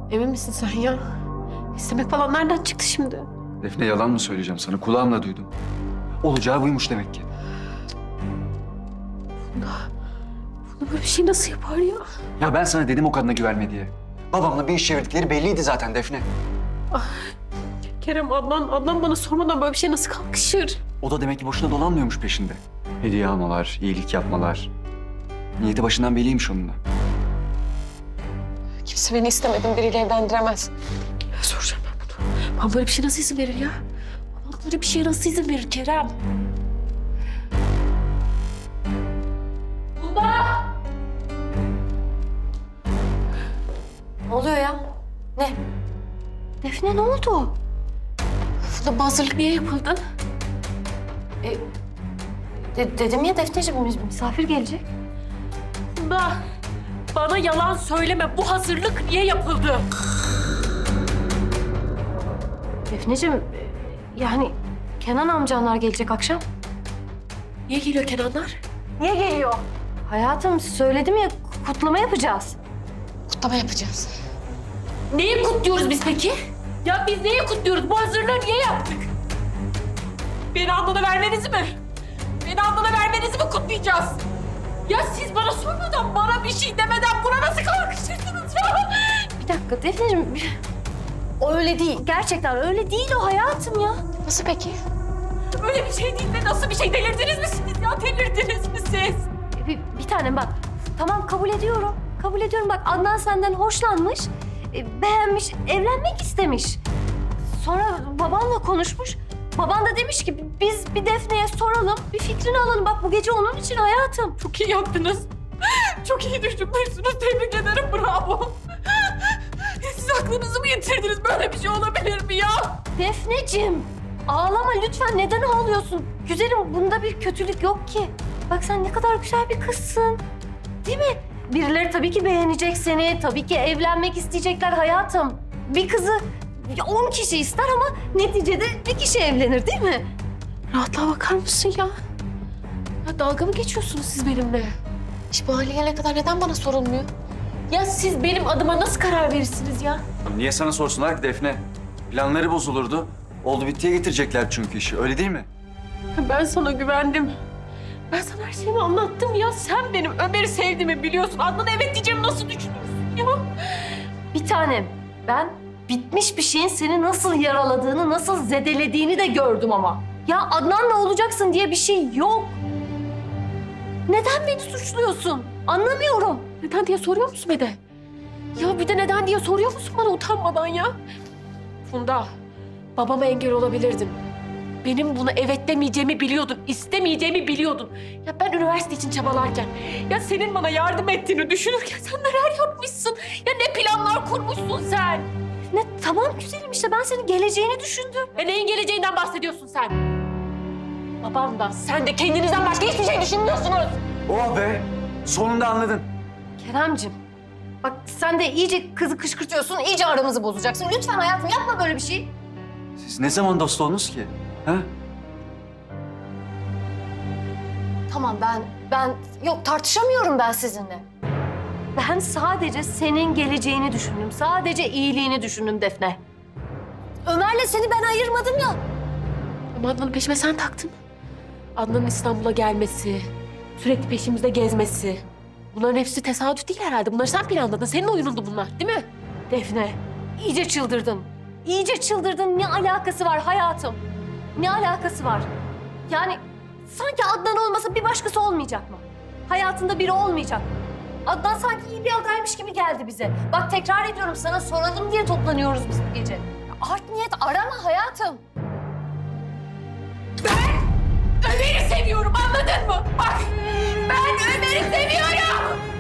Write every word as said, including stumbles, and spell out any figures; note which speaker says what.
Speaker 1: Emin misin sen ya? İstemek falan nereden çıktı şimdi?
Speaker 2: Defne, yalan mı söyleyeceğim sana? Kulağımla duydum. Olacağı buymuş demek ki.
Speaker 1: Funda, Funda böyle bir şey nasıl yapar ya?
Speaker 2: Ya ben sana dedim o kadına güvenme diye. Babamla bir iş çevirdikleri belliydi zaten Defne.
Speaker 1: Kerem, Adnan, Adnan bana sormadan böyle bir şey nasıl kalkışır?
Speaker 2: O da demek ki boşuna dolanmıyormuş peşinde. Hediye almalar, iyilik yapmalar. Niyeti başından belliymiş onunla.
Speaker 1: Kimse beni istemediğim biriyle evlendiremez. Ya soracağım ben bunu. Bana böyle bir şey nasıl izin verir ya? Bana böyle bir şeye nasıl izin verir Kerem? Funda!
Speaker 3: Ne oluyor ya? Ne?
Speaker 1: Defne ne oldu? Funda, bu hazırlık niye yapıldı?
Speaker 3: E, de- dedim ya Defneciğim, mis- misafir gelecek.
Speaker 1: Funda, bana yalan söyleme. Bu hazırlık niye yapıldı?
Speaker 3: Defneciğim, e, yani Kenan amcanlar gelecek akşam.
Speaker 1: Niye geliyor Kenanlar?
Speaker 3: Niye geliyor? Hayatım, söyledim ya, kutlama yapacağız.
Speaker 1: Kutlama yapacağız. Neyi kutluyoruz biz peki? Ya biz neyi kutluyoruz? Bu hazırlığı niye yaptık? Beni Adnan'a vermenizi mi? Beni Adnan'a vermenizi mi kutlayacağız? Ya siz bana sormadan, bana bir şey demeden buna nasıl kalkışırsınız ya?
Speaker 3: Bir dakika Defneciğim, o öyle değil. Gerçekten öyle değil o hayatım ya.
Speaker 1: Nasıl peki? Öyle bir şey değil de nasıl bir şey? Delirdiniz mi siz ya? Delirdiniz mi siz?
Speaker 3: E, Bir, bir tanem bak, tamam kabul ediyorum. Kabul ediyorum bak, Adnan senden hoşlanmış, e, beğenmiş, evlenmek istemiş. Sonra babanla konuşmuş. Baban da demiş ki biz bir Defne'ye soralım, bir fikrini alalım. Bak bu gece onun için hayatım.
Speaker 1: Çok iyi yaptınız. Çok iyi düşünmüşsünüz. Tebrik ederim. Bravo. Siz aklınızı mı yitirdiniz? Böyle bir şey olabilir mi ya?
Speaker 3: Defneciğim, ağlama lütfen. Neden ağlıyorsun? Güzelim, bunda bir kötülük yok ki. Bak sen ne kadar güzel bir kızsın. Değil mi? Birileri tabii ki beğenecek seni. Tabii ki evlenmek isteyecekler hayatım. Bir kızı on kişi ister ama neticede bir kişi evlenir değil mi?
Speaker 1: Rahatlığa bakar mısın ya? Ya dalga mı geçiyorsunuz siz benimle? İş bu hale gelene kadar neden bana sorulmuyor? Ya siz benim adıma nasıl karar verirsiniz ya?
Speaker 2: Niye sana sorsunlar ki Defne? Planları bozulurdu. Oldu bittiye getirecekler çünkü işi, öyle değil mi?
Speaker 1: Ben sana güvendim. Ben sana her şeyimi anlattım ya. Sen benim Ömer'i sevdiğimi biliyorsun. Adnan'a evet diyeceğimi nasıl düşünürsün ya?
Speaker 3: Bir tanem, ben bitmiş bir şeyin seni nasıl yaraladığını, nasıl zedelediğini de gördüm ama. Ya Adnan'la olacaksın diye bir şey yok. Neden beni suçluyorsun? Anlamıyorum.
Speaker 1: Neden diye soruyor musun bir de? Ya bir de neden diye soruyor musun bana utanmadan ya? Funda, babama engel olabilirdin. Benim buna evet demeyeceğimi biliyordun, istemeyeceğimi biliyordun. Ya ben üniversite için çabalarken, ya senin bana yardım ettiğini düşünürken sen neler yapmışsın? Ya ne planlar kurmuşsun sen?
Speaker 3: Ne tamam güzelim işte ben senin geleceğini düşündüm.
Speaker 1: Ya neyin geleceğinden bahsediyorsun sen? Babam da sen de kendinizden başka hiçbir şey düşünmüyorsunuz.
Speaker 2: Oh be! Sonunda anladın.
Speaker 3: Keremcim, bak sen de iyice kızı kışkırtıyorsun, iyice aramızı bozacaksın. Lütfen hayatım yapma böyle bir şey.
Speaker 2: Siz ne zaman dost oldunuz ki? Ha?
Speaker 3: Tamam ben, ben yok tartışamıyorum ben sizinle. Ben sadece senin geleceğini düşündüm. Sadece iyiliğini düşündüm Defne. Ömer'le seni ben ayırmadım ya.
Speaker 1: Ama Adnan'ın peşime sen taktın. Adnan'ın İstanbul'a gelmesi, sürekli peşimizde gezmesi. Bunların hepsi tesadüf değil herhalde. Bunları sen planladın. Senin oyunundu bunlar, değil mi?
Speaker 3: Defne, iyice çıldırdın. İyice çıldırdın. Ne alakası var hayatım? Ne alakası var? Yani sanki Adnan olmasa bir başkası olmayacak mı? Hayatında biri olmayacak mı? Adnan sanki iyi bir adaymış gibi geldi bize. Bak tekrar ediyorum sana soralım diye toplanıyoruz biz bu gece. Art niyet arama hayatım.
Speaker 1: Ömer'i seviyorum, anladın mı? Bak, ben Ömer'i seviyorum.